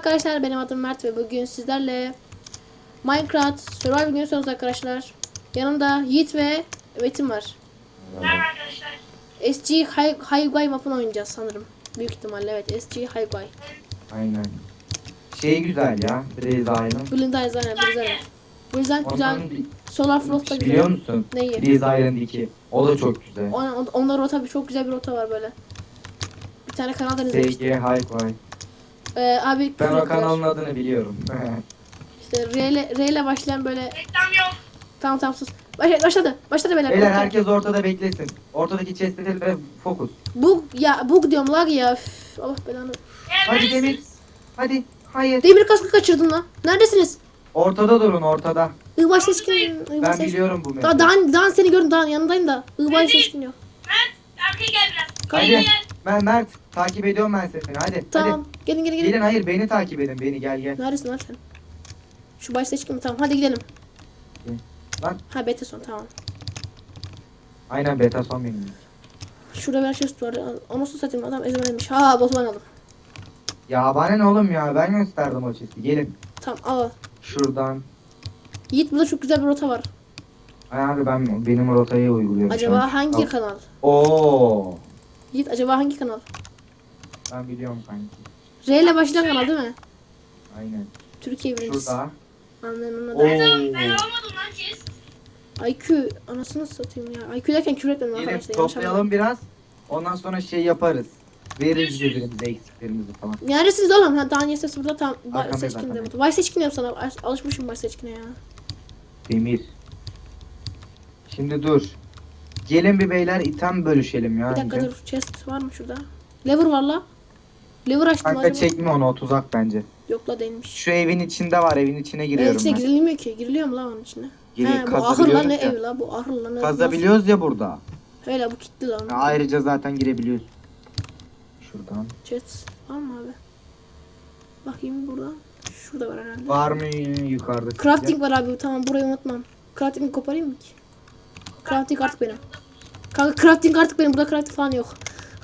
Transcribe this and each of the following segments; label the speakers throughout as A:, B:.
A: arkadaşlar, benim adım Mert ve bugün sizlerle Minecraft Survival günü sonrası arkadaşlar. Yanımda Yiğit ve Metin var.
B: Merhaba arkadaşlar.
A: SG Highway map'ını oynayacağız sanırım. Büyük ihtimalle evet, SG Highway.
C: Aynen. Şey güzel ya. Blaze Island.
A: Blind Eyes aynen, güzel. Bu yüzden güzel.
C: Ondan
A: Solar Frost da güzel.
C: biliyor musun?
A: Neyi?
C: Blaze Island 2. O da çok güzel.
A: Onda rota, çok güzel bir rota var böyle. Bir tane kanaldan
C: SG
A: izlemiştim.
C: Highway.
A: Abi
C: Ben o
A: küfür
C: kanalın
A: ettiler.
C: adını biliyorum.
A: İşte R ile başlayan böyle.
B: Reklam yok.
A: Tamam sus. Başladı beyler.
C: Beyler
A: Okey.
C: herkes ortada beklesin. Ortadaki chest'e ve fokus.
A: Bug diyorum lag ya. Üf, Allah belanı.
C: Hadi
B: Neredesiniz?
C: Demir. Hadi. Hayır.
A: Demir kaskı kaçırdım lan. Neredesiniz?
C: Ortada durun ortada.
A: Iğbaş seçkin.
C: Ben biliyorum bu
A: Daha
C: mevzuyu.
A: daha seni gördüm, daha yanındayım da. Iğbaş
B: Neredeyiz?
A: seçkin yok.
B: Mert arkaya gel biraz.
C: Hadi.
B: Gel.
C: Ben Mert. Takip ediyorum ben seni. Hadi.
A: Tamam.
C: Hadi.
A: Gelin.
C: Gelin hayır beni takip edin. Beni gel.
A: Neredesin lan sen? Şu baş seçkin mi? Tamam hadi gidelim.
C: Lan.
A: Ha beta son, tamam.
C: Aynen beta son benim.
A: Şurada bir şey var. Onu su satayım, adam ezberlemiş. Ha botman aldım.
C: Ya bana ne oğlum ya? Ben gösterdim o chest'i. Gelin.
A: Tamam al.
C: Şuradan.
A: Yiğit, burada çok güzel bir rota var.
C: Ay abi benim rotayı uyguluyorum. şu an.
A: Acaba hangi
C: Al.
A: kanal?
C: Oo.
A: Yiğit, acaba hangi kanal?
C: Ben biliyorum kanki.
A: R ile başlayan kanal değil mi?
C: Aynen.
A: Türkiye birincisi.
C: Şurada.
A: Anladım.
C: Oo.
B: Ben alamadım lan chest.
A: IQ anasını satayım ya. IQ derken küfür etmedim
C: Gelin
A: arkadaşlar. yanlış
C: toplayalım biraz. Ondan sonra şey yaparız. Veririz birbirimize eksiklerimizi falan.
A: Neredesiniz oğlum? Ha, daha niye ses burada tam
C: Arkamdayız,
A: seçkin de
C: arkamdayız.
A: burada. Vay seçkin diyorum sana. Alışmışım vay seçkine ya.
C: Demir. Şimdi dur. Gelin bir beyler item bölüşelim ya.
A: Bir dakika
C: önce.
A: dur. Chest var mı şurada? Lever var la. Lever açtım
C: Kanka
A: acaba.
C: çekme onu o tuzak bence.
A: Yok la, değilmiş.
C: Şu evin içinde var, evin içine giriyorum
A: içine
C: ben.
A: girilmiyor ki. Giriliyor mu la onun içine?
C: Geri
A: He, bu ahır la,
C: kazabiliyoruz
A: ne
C: ya.
A: ev la, bu ahır la. Ne,
C: Kazabiliyoruz ya burada.
A: nasıl? Hele bu kilitli la.
C: Ya ayrıca zaten girebiliyoruz. Şuradan.
A: Chest var mı abi? Bakayım burada. Şurada var herhalde.
C: Var mı yukarıda?
A: Crafting var abi, tamam, burayı unutmam. Crafting'i koparayım mı ki? Crafting artık benim. Kanka crafting artık benim, burada crafting falan yok.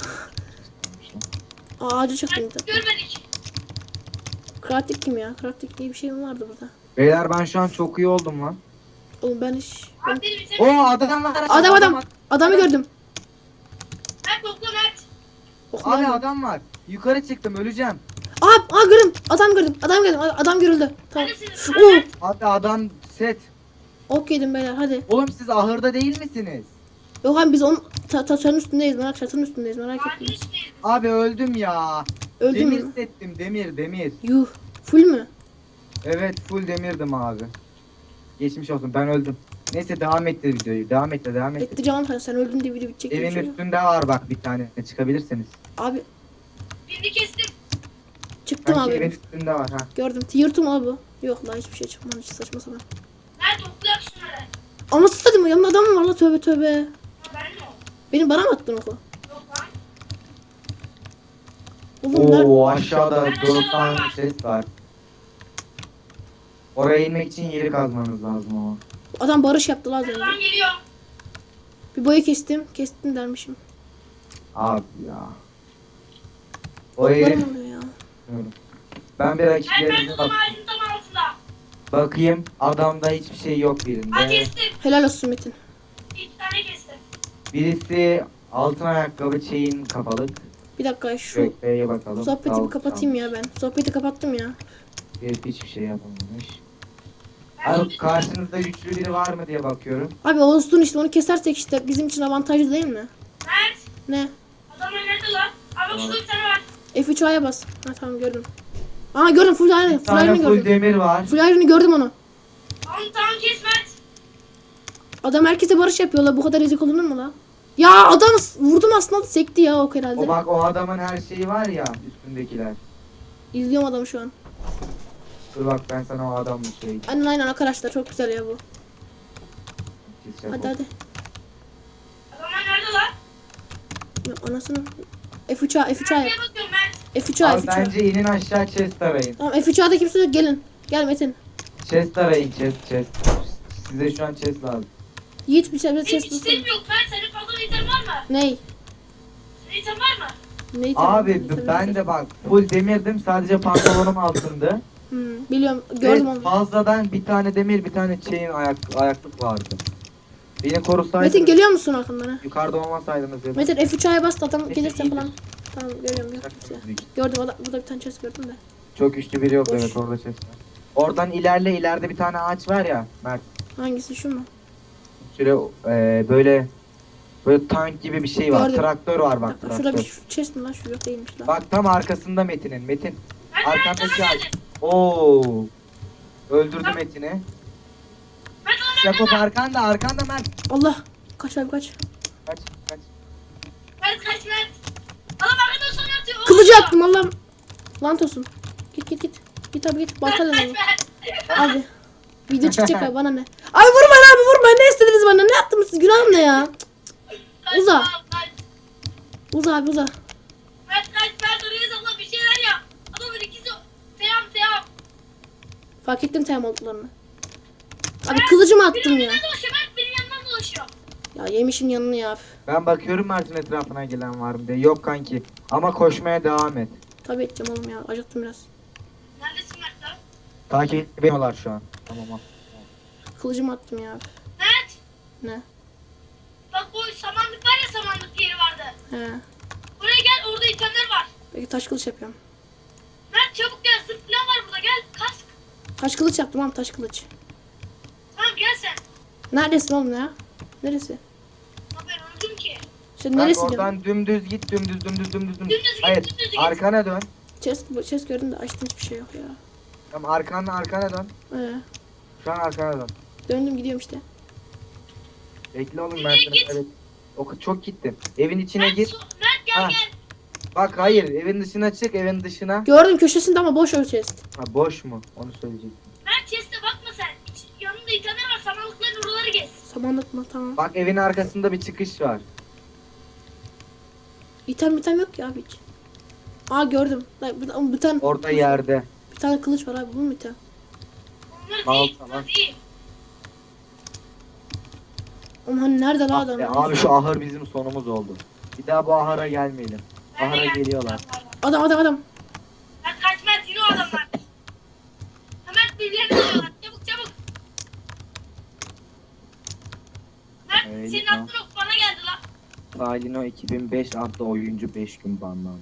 A: Ağacı çaktım bir tane.
B: Görmedik.
A: Crafting kim ya? Crafting diye bir şey mi vardı burada?
C: Beyler ben şu an çok iyi oldum lan.
A: Oğlum ben hiç...
B: Abi benim bize.
C: Oo adam var.
A: Adamı gördüm.
B: Mert topla Mert.
C: Abi adam var. Yukarı çıktım öleceğim.
A: Gördüm. Adam gördüm. Adam görüldü. Tamam.
B: Neredesiniz?
A: Oo.
B: Mert.
C: Abi adam set.
A: Ok yedim beyler, hadi.
C: Oğlum siz ahırda değil misiniz?
A: Yok abi, biz onun çatının üstündeyiz. Çatının üstündeyiz, merak
B: Maden
A: etmeyin.
B: üstüneyiz.
C: Abi öldüm ya.
A: Öldün
C: demir
A: mü?
C: settim demir.
A: Yuh. Full mü?
C: Evet full demirdim abi. Geçmiş olsun ben öldüm. Neyse devam ettir videoyu. Devam et.
A: Etti canım, sen öldün diye video bitecek diye bir
C: Evin
A: şey yok.
C: üstünde var bak bir tane. Çıkabilirsiniz.
A: Abi
B: Birini kestim.
A: çıktım
C: Sanki evin
A: abi.
C: üstünde var ha.
A: Gördüm. Tier mu abi bu? Yok la, hiçbir şey çıkmadı, hiç saçma sapan.
B: Mert topla şunları.
A: Anasını satayım, yanımda adam mı var la, tövbe.
B: Ha ben mi o?
A: Bana mı attın oku?
B: Yok lan.
A: Oğlum nerede?
C: Oo aşağıda 4 tane ses var. Oraya inmek için yeri kazmanız lazım ama.
A: Adam barış yaptı la az önce.
B: Adam geliyor.
A: Bir boyu kestim. Kestim dermişim.
C: Abi ya. O
A: Barım
C: herif.
A: oluyor ya.
C: Ben bir
B: Mert
C: rakiplerimize
B: odam ağacın tam altında.
C: bakayım. Adamda hiçbir şey yok birinde.
B: Ha kestim.
A: Helal olsun Metin.
B: 2 tane kestim.
C: Birisi altın ayakkabı chain kapalık.
A: Bir dakika şu
C: Kökleğe bakalım.
A: sohbeti
C: Sağ
A: bir kapatayım ya ben. Sohbeti kapattım ya.
C: Herif hiçbir şey yapamamış.
B: Ben
C: Abi karşınızda güçlü biri var mı diye bakıyorum.
A: Abi olsun işte, onu kesersek işte bizim için avantajlı değil mi?
B: Mert.
A: Ne?
B: Adamlar nerede lan? Abi şurada bir tane var.
A: F3A'ya bas. Ha tamam, gördüm. Aa, gördüm, full iron.
C: Bir
A: Full
C: tane
A: iron'ı
C: full
A: gördüm.
C: demir var.
A: Full iron'ı gördüm onu.
B: Tamam kes Mert.
A: Adam herkese barış yapıyorlar. Bu kadar ezik olunur mu la? Ya adam vurdum aslında, sekti ya ok herhalde.
C: O bak o adamın her şeyi var ya üstündekiler.
A: İzliyorum adamı şu an.
C: Dur bak ben sana o adamı söyleyeyim.
A: Aynen arkadaşlar, çok güzel ya bu.
C: Keseceğim
A: Hadi
C: o.
A: hadi.
B: Adamlar nerede lan?
A: Ya, anasını. F3A
B: Nereye bakıyorum Mert?
A: F3A
C: Abi bence inin aşağı chest arayın.
A: Tamam, F3A'da kimse yok, gelin. Gel Metin.
C: Chest arayın chest. Size şu an chest lazım.
A: Yiğit bir şey
B: Benim
A: ses
B: hiç
A: bulsun.
B: item yok Mert. Senin fazla item var mı?
A: Ney?
B: Senin item var mı?
A: Neyi
C: Abi
A: tamam,
C: ben de bak full demirdim, sadece pantolonum altındı.
A: Biliyorum
C: Ve
A: gördüm onu.
C: fazladan bir tane demir, bir tane chain ayaklık vardı. Beni korusaydınız,
A: Metin geliyor musun arkamdan?
C: yukarıda olmasaydınız ya.
A: Metin F3'e bas adam
C: Metin
A: gelirse
C: iyidir.
A: falan. Tamam görüyorum yok kimse. Gördüm adam, burada bir tane chest gördüm de.
C: Çok güçlü biri yok,
A: Boş.
C: evet orada chest var. Oradan ileride bir tane ağaç var ya Mert.
A: Hangisi şu mu?
C: Şöyle böyle tank gibi bir şey var.
A: Gördüm.
C: Traktör var bak,
A: Şurada
C: traktör.
A: bir chest mi lan? Şu yok değilmiş lan.
C: Bak tam arkasında Metin'in. Metin
B: Mert
C: arkandaki
B: Mert
C: ağaç. Oo. Öldürdü Metin'i. Jakob arkanda Mert.
A: Allah. Kaç abi kaç.
C: Kaç.
B: Mert kaç Mert. Adam arkadan sonra atıyor.
A: Kılıcı attım Allah'ım. Lant olsun. Git. Git abi git. Baltayla
B: Kaç
A: alalım.
B: Mert.
A: Abi. Video çıkacak abi bana ne? Abi vurmayın abi vurmayın. Ne istediniz bana? Ne yaptınız siz? Günahım ne ya? Uza.
B: Kaç.
A: Uza abi uza.
B: Mert kaç Mert oraya zıpla bir şeyler yap. Adamın ikisi teyam.
A: Fark ettim tem olduklarını. Abi kılıcımı attım
B: Benim
A: ya.
B: önümden dolaşıyor Mert benim yanımdan dolaşıyor.
A: Ya yemişim yanını ya.
C: Ben bakıyorum Mert'in etrafına gelen var mı diye. Yok kanki. Ama koşmaya devam et.
A: Tabii edeceğim oğlum ya. Acıktım biraz.
B: Neredesin Mert lan?
C: Takip ediyorlar şu an. Tamam.
A: Kılıcımı attım ya.
B: Mert.
A: Ne?
B: Bak bu samanlık var ya samanlık yeri vardı.
A: He.
B: Oraya gel orada itemler var.
A: Peki taş kılıç yapıyorum.
B: Mert çabuk gel zırh falan var burada gel kask.
A: Taş kılıç yaptım abi taş kılıç.
B: Tamam gel sen.
A: Neredesin oğlum ya? Neresi?
B: Ama ben öldüm ki.
A: Sen
C: Bak
A: neresi diyorsun?
C: oradan dümdüz git. Dümdüz.
B: Dümdüz git,
C: Hayır.
B: dümdüz git.
C: Arkana dön.
A: Chest gördüm de açtım hiçbir şey yok ya.
C: Tamam arkana dön. Şu an arkana dön.
A: Döndüm gidiyorum işte.
C: Bekle oğlum ben
B: Nereye
C: seni.
B: git?
C: Evet. Çok gittin. Evin içine gir.
B: Mert gel
C: Ha.
B: gel.
C: Bak hayır, evin dışına çık, evin dışına.
A: Gördüm köşesinde ama boş o chest.
C: Ha boş mu? Onu söyleyecektim.
B: Mert chest'e bakma sen. Yanında itemler var samanlıkların oraları gez.
A: Samanlık mı? Tamam.
C: Bak evin arkasında bir çıkış var.
A: İtem yok ya abi hiç. Aa gördüm. Bir tane
C: Orada yerde.
A: bir tane kılıç var abi bu mu item?
B: Onlar
C: Al,
B: değil.
C: tamam.
B: Onlar değil.
A: Oğlum hani nerede la
C: Ah
A: adam?
C: be, abi şu ahır bizim sonumuz oldu. Bir daha bu ahıra gelmeyelim.
B: Nerede
C: Ahıra
B: gel?
C: geliyorlar.
A: Adam.
B: Mert kaç Mert yine o adamlar. Mert birilerini alıyorlar. Çabuk. Mert
C: Öyle
B: senin
C: tamam.
B: attığın ok bana geldi lan.
C: Salino 2005 adlı oyuncu 5 gün banlandı.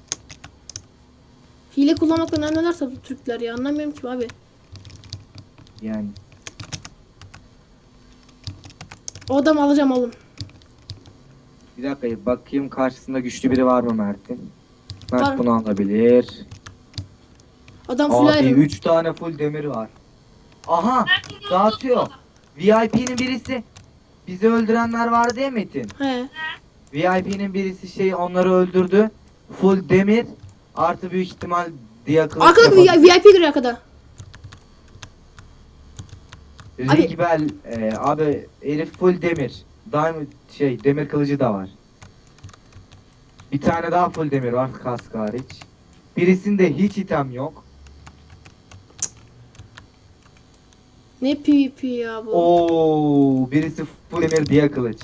A: Hile kullanmakla neler satıyor Türkler ya anlamıyorum ki abi.
C: Yani
A: O adamı alacağım oğlum.
C: bir dakika bakayım karşısında güçlü biri var mı Mert'in? Mert
A: Var.
C: bunu alabilir.
A: Adam full
C: Abi
A: iron.
C: 3 tane full demir var. Aha
B: Mert bunu
C: dağıtıyor. VIP'nin birisi. Bizi öldürenler vardı ya Metin.
A: He.
C: VIP'nin birisi onları öldürdü. Full demir artı büyük ihtimal diye kılıç
A: Arkada bir
C: yapabilir.
A: VIP giriyor arkada. Abi-
C: Rigbel abi herif full demir. Diamond demir kılıcı da var. Bir tane daha full demir var kask hariç. Birisinde hiç item yok.
A: Ne PvP ya bu.
C: Oo, birisi full demir diye kılıç.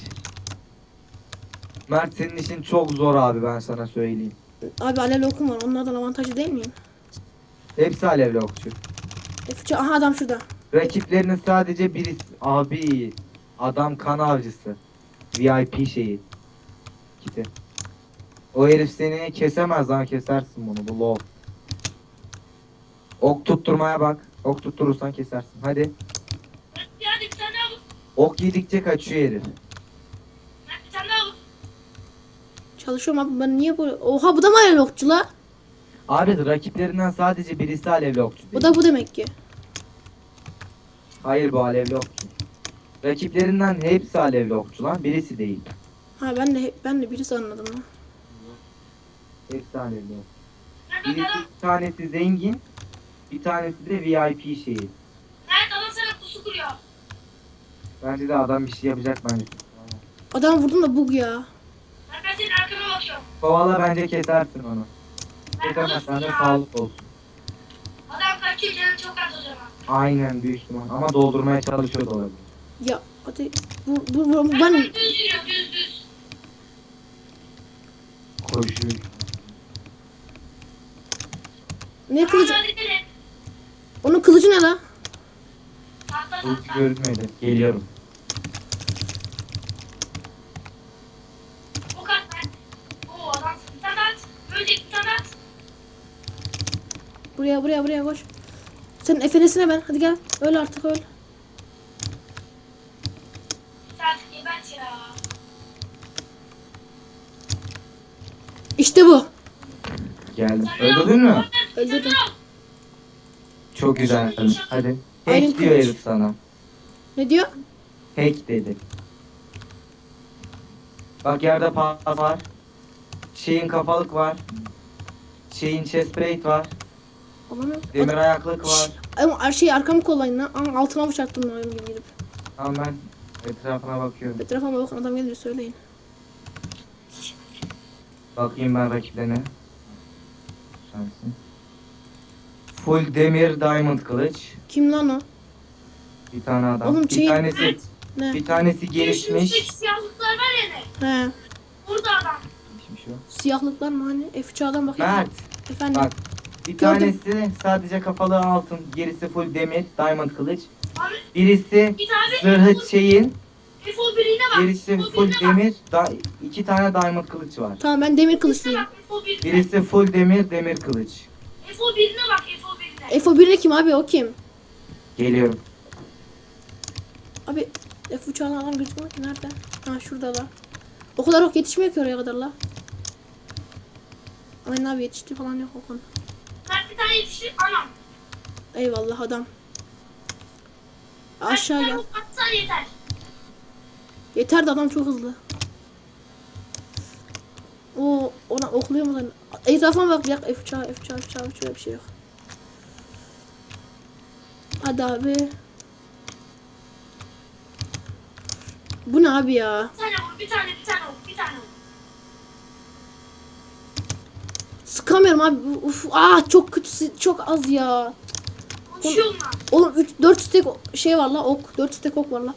C: Mert senin işin çok zor abi ben sana söyleyeyim.
A: Abi alevli okum var onlardan avantajlı değil miyim?
C: Hepsi alevli okçu.
A: F3'e aha adam şurada.
C: Rakiplerinin sadece birisi abi adam kan avcısı. VIP kiti. O herif seni kesemez lan kesersin bunu bu low. Ok tutturmaya bak. Ok tutturursan kesersin. Hadi.
B: Mert hadi bir tane al.
C: Ok yedikçe kaçıyor herif.
B: Mert bir tane al.
A: Çalışıyorum abi ben niye böyle... Oha bu da mı alevli okçu la?
C: Abi rakiplerinden sadece birisi alevli okçu değil.
A: Bu da bu demek ki.
C: Hayır bu alevli okçu. Rakiplerinden hepsi alevli okçu lan. Birisi değil.
A: Ha ben de birisi anladım lan.
C: Hepsi alevli okçu.
B: Mert
C: Birisi
B: adam.
C: bir tanesi zengin. Bir tanesi de VIP şeyi.
B: Mert adam sana pusu kuruyor.
C: Bence de adam bir şey yapacak bence.
A: Adam vurdum da bug ya.
B: Mert ben senin arkana bakıyorum.
C: Kovala bence kesersin onu.
B: Mert
C: Kesemezsen
B: alırsın
C: de
B: ya.
C: sağlık olsun.
B: Adam kaçıyor canım çok az o zaman.
C: Aynen büyük ihtimal. Ama doldurmaya çalışıyor da olabilir.
A: Ya hadi bu
B: Mert
A: ben
B: düz yürüyor düz.
C: Koşuyor.
A: Ne kılıcı?
B: Hadi gelin.
A: Onun kılıcı ne la?
B: Tahta
C: Bu
B: tahta.
C: görünmedi. Geliyorum.
B: Ok at Mert. Oo adamsın. Bir tane at. Böyle bir tane at.
A: Buraya koş. Senin efenesine ben. Hadi gel. Öl artık öl.
B: Sen gebert ya.
A: İşte bu.
C: Geldim.
B: Sen ne
C: Öldürdün mü?
B: yaptın?
A: Öldürdüm.
C: Çok güzel. Hadi.
A: Aynen
C: Hack diyor
A: kılıç.
C: herif sana.
A: Ne diyor?
C: Hack dedi. Bak yerde pas var. Şeyin kafalık var. Şeyin chest plate var.
A: Alamıyorum.
C: Demir ayaklık var.
A: Ama her şeyi arkamı kollayın lan. Aa, altına bıçaktım lan gibi gidip.
C: Tamam ben etrafına bakıyorum.
A: Etrafıma bakın adam geliyor söyleyin.
C: Bakayım ben rakiplerine. Sensin. Full demir diamond kılıç.
A: Kim lan o?
C: Bir tane adam.
A: Oğlum
C: bir
A: şey-
C: tanesi
B: Mert.
A: Ne?
C: bir tanesi
B: Üstteki
C: gelişmiş.
B: siyahlıklar var ya ne?
A: He.
B: Burada adam.
C: Gelişmiş o.
A: Siyahlıklar mı hani? F3'den bakayım.
C: Mert
A: Efendim.
C: bak. Bir
A: Gördüm.
C: tanesi sadece kafalı altın, gerisi full demir, diamond kılıç.
B: Abi
C: Birisi
B: bir tane
C: zırhı şeyin,
B: F-O birine bak.
C: gerisi
B: F-O
C: full
B: birine bak.
C: demir, iki tane diamond kılıç var.
A: Tamam ben demir
B: Birine
A: kılıçlıyım.
B: bak, F-O birine.
C: Birisi full demir, demir kılıç.
B: F-O birine bak F-O birine.
A: F1'e kim abi o kim?
C: Geliyorum.
A: Abi F3'den adam gözükmüyor ki nerede? Ha şurada la. O kadar ok yetişmiyor ki oraya kadar la. Aynen abi yetişti falan yok o konu.
B: Mert bir tane yetiştir anam.
A: Eyvallah adam.
B: Mert
A: Aşağı
B: bir
A: gel.
B: tane atsan yeter.
A: Yeter de adam çok hızlı. O ona okluyor mu lan? Etrafıma bak yak F3 bir şey yok. Hadi abi. Bu ne abi ya?
B: Bir tane vur, bir tane vur, bir tane vur.
A: Sıkamıyorum abi. Uf, çok kötü çok az ya.
B: Konuşuyorum lan.
A: Oğlum 4 stek şey var la ok. 4 stek ok var la.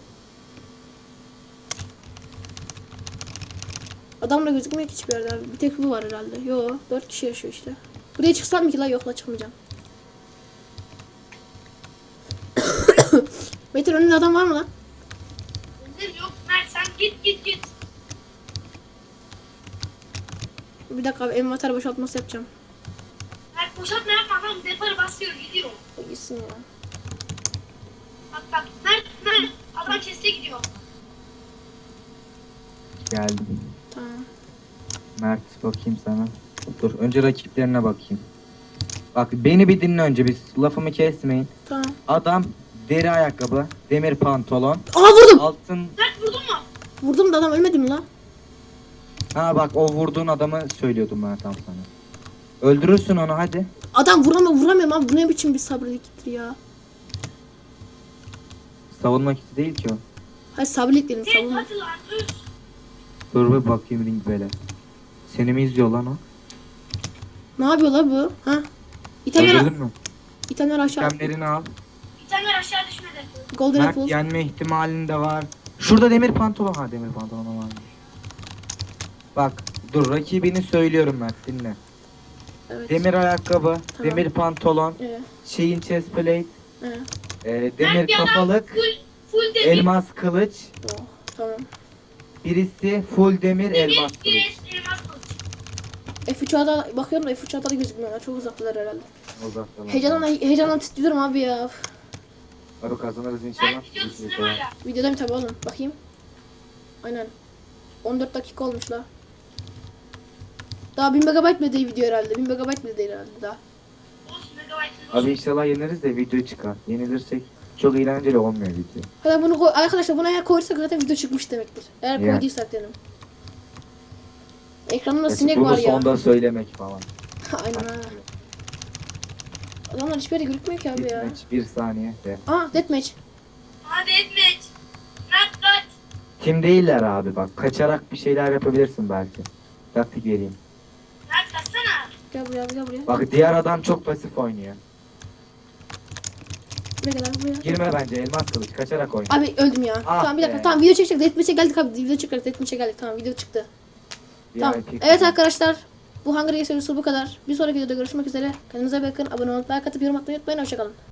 A: Adam da gözükmüyor ki hiçbir yerde abi. Bir tek bu var herhalde. Yo 4 kişi yaşıyor işte. Buraya çıksam mı ki la yok la çıkmayacağım. Metin önünde adam var mı lan?
B: Özür yok Mert sen git.
A: Bir dakika abi envanter boşaltması yapacağım.
B: Mert boşaltma yapma adam deparı basıyor gidiyor.
A: Gitsin ya.
B: Bak Mert adam keste gidiyor.
C: Geldim.
A: Tamam.
C: Mert bakayım sana. Dur önce rakiplerine bakayım. Bak beni bir dinle önce, biz lafımı kesmeyin.
A: Tamam.
C: Adam deri ayakkabı, demir pantolon,
A: Aa vurdum.
C: altın.
B: Mert vurdun mu?
A: Vurdum da adam ölmedi mi la?
C: Ha bak o vurduğun adamı söylüyordum ben tam sana. Öldürürsün onu hadi.
A: Adam vuramıyorum abi. Bu ne biçim bir sabırlıktır ya.
C: Savunmak için değil ki o.
A: Hayır sabırlık dedim
B: Hey
A: savunma.
B: hadi lan düz.
C: Dur bir bakayım ring böyle. Seni mi izliyor lan o?
A: Ne yapıyor la bu? Ha? İtemler,
C: Öldürdün mü?
A: itemler aşağı.
C: Kemlerini al.
B: Bir tane aşağı düşmedi.
A: Golden
C: Mert
A: apple.
C: yenme ihtimalin de var. Şurada demir pantolon. Ha demir pantolon varmış. Bak dur rakibini söylüyorum Mert dinle.
A: Evet.
C: Demir ayakkabı,
A: Tamam.
C: demir pantolon, şeyin chest plate, demir
B: Mert bir adam
C: kafalık,
B: full demir.
C: elmas kılıç,
A: Oh, tamam.
C: birisi full demir elmas kılıç.
B: Bir elmas kılıç.
A: F3'a bakıyorum da F3'a da gözükmüyorlar. Çok uzaktalar herhalde.
C: Uzaktan.
A: Heyecandan titriyorum abi ya.
C: Abi kazanırız inşallah.
B: Mert videoda
C: Biz
B: sinema
C: inşallah.
B: ya.
A: Videoda mı tabi oğlum? Bakayım. Aynen. 14 dakika olmuş la. Daha 1000 megabayt bile değil video herhalde. 1000 megabayt bile değil herhalde daha.
B: Olsun megabaytın
C: Abi
B: olsun.
C: inşallah yeniriz de video çıkar. Yenilirsek çok eğlenceli olmuyor video.
A: Hadi bunu koy. Arkadaşlar buna eğer koyarsak zaten video çıkmış demektir. Eğer
C: Ya.
A: koyduysak dedim. Ekranımda
C: Gerçi
A: sinek
C: bunu
A: var ya.
C: sonda söylemek falan.
A: Aynen ha. Adamlar hiçbir yere görükmüyor ki abi ya.
C: Deathmatch, bir saniye de.
A: Deathmatch.
B: Hadi etmeç. Mert kaç.
C: Kim değiller abi bak. Kaçarak bir şeyler yapabilirsin belki. Taktik vereyim.
B: Mert kaçsana.
A: Gel buraya.
C: Bak diğer adam çok pasif oynuyor.
A: Buraya gel abi buraya.
C: Girme bence elmas kılıç. Kaçarak oyna.
A: Abi öldüm ya.
C: Ah
A: Tamam bir dakika.
C: be.
A: Tamam video çekecek. Deathmatch'e geldik abi. Video çıkardık. Deathmatch'e geldik. Tamam video çıktı. Tamam.
C: VIP
A: Evet arkadaşlar. Bu Hunger Games videosu bu kadar. Bir sonraki videoda görüşmek üzere. Kendinize bakın. Abone olup like atıp yorum atmayı unutmayın. Hoşçakalın.